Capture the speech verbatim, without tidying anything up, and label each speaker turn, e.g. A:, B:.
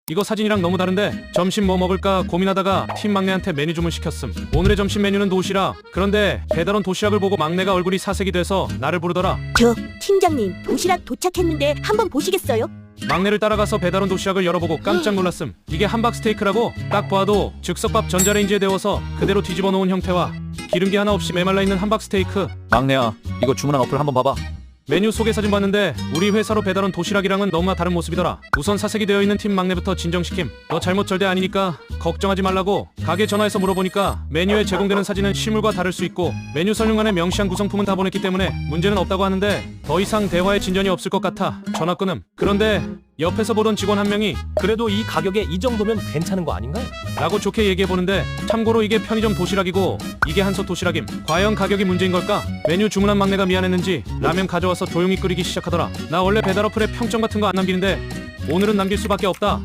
A: 이거 사진이랑 너무 다른데 점심 뭐 먹을까 고민하다가 팀 막내한테 메뉴 주문 시켰음. 오늘의 점심 메뉴는 도시락. 그런데 배달온 도시락을 보고 막내가 얼굴이 사색이 돼서 나를 부르더라.
B: 저 팀장님 도시락 도착했는데 한번 보시겠어요?
A: 막내를 따라가서 배달온 도시락을 열어보고 깜짝 놀랐음. 이게 함박 스테이크라고? 딱 봐도 즉석밥 전자레인지에 데워서 그대로 뒤집어 놓은 형태와 기름기 하나 없이 메말라 있는 함박 스테이크.
C: 막내야, 이거 주문한 어플 한번 봐봐.
A: 메뉴 소개 사진 봤는데 우리 회사로 배달온 도시락이랑은 너무나 다른 모습이더라. 우선 사색이 되어 있는 팀 막내부터 진정시킴. 너 잘못 절대 아니니까 걱정하지 말라고. 가게 전화해서 물어보니까 메뉴에 제공되는 사진은 실물과 다를 수 있고 메뉴 설명란에 명시한 구성품은 다 보냈기 때문에 문제는 없다고 하는데 더 이상 대화에 진전이 없을 것 같아 전화 끊음. 그런데 옆에서 보던 직원 한 명이
D: 그래도 이 가격에 이 정도면 괜찮은 거 아닌가요?
A: 라고 좋게 얘기해보는데 참고로 이게 편의점 도시락이고 이게 한솥 도시락임. 과연 가격이 문제인 걸까? 메뉴 주문한 막내가 미안했는지 라면 가져와서 조용히 끓이기 시작하더라. 나 원래 배달 어플에 평점 같은 거 안 남기는데 오늘은 남길 수밖에 없다.